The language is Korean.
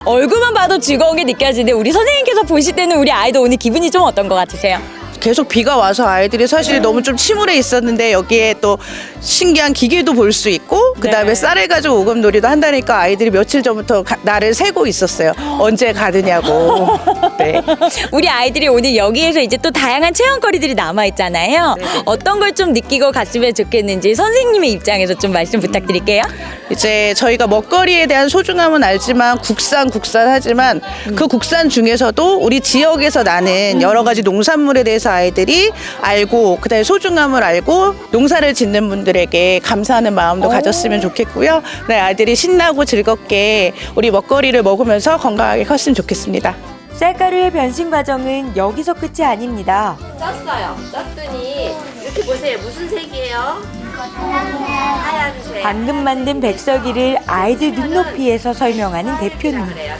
얼굴만 봐도 즐거운 게 느껴지는데 우리 선생님께서 보실 때는 우리 아이도 오늘 기분이 좀 어떤 것 같으세요? 계속 비가 와서 아이들이 사실 너무 좀 침울해 있었는데 여기에 또 신기한 기계도 볼 수 있고 그다음에 네. 쌀을 가지고 오금놀이도 한다니까 아이들이 며칠 전부터 나를 세고 있었어요. 언제 가느냐고. 네. 우리 아이들이 오늘 여기에서 이제 또 다양한 체험거리들이 남아 있잖아요. 어떤 걸 좀 느끼고 갔으면 좋겠는지 선생님의 입장에서 좀 말씀 부탁드릴게요. 이제 저희가 먹거리에 대한 소중함은 알지만 국산 하지만 그 국산 중에서도 우리 지역에서 나는 여러 가지 농산물에 대해서 아이들이 알고 그다음에 소중함을 알고 농사를 짓는 분들에게 감사하는 마음도 가졌으면 좋겠고요. 네, 아이들이 신나고 즐겁게 우리 먹거리를 먹으면서 건강하게 컸으면 좋겠습니다. 쌀가루의 변신 과정은 여기서 끝이 아닙니다. 쪘어요. 쪘더니 이렇게 보세요. 무슨 색이에요? 하얀색. 방금 만든 백설기를 아이들 눈높이에서 설명하는 대표님. 그래요.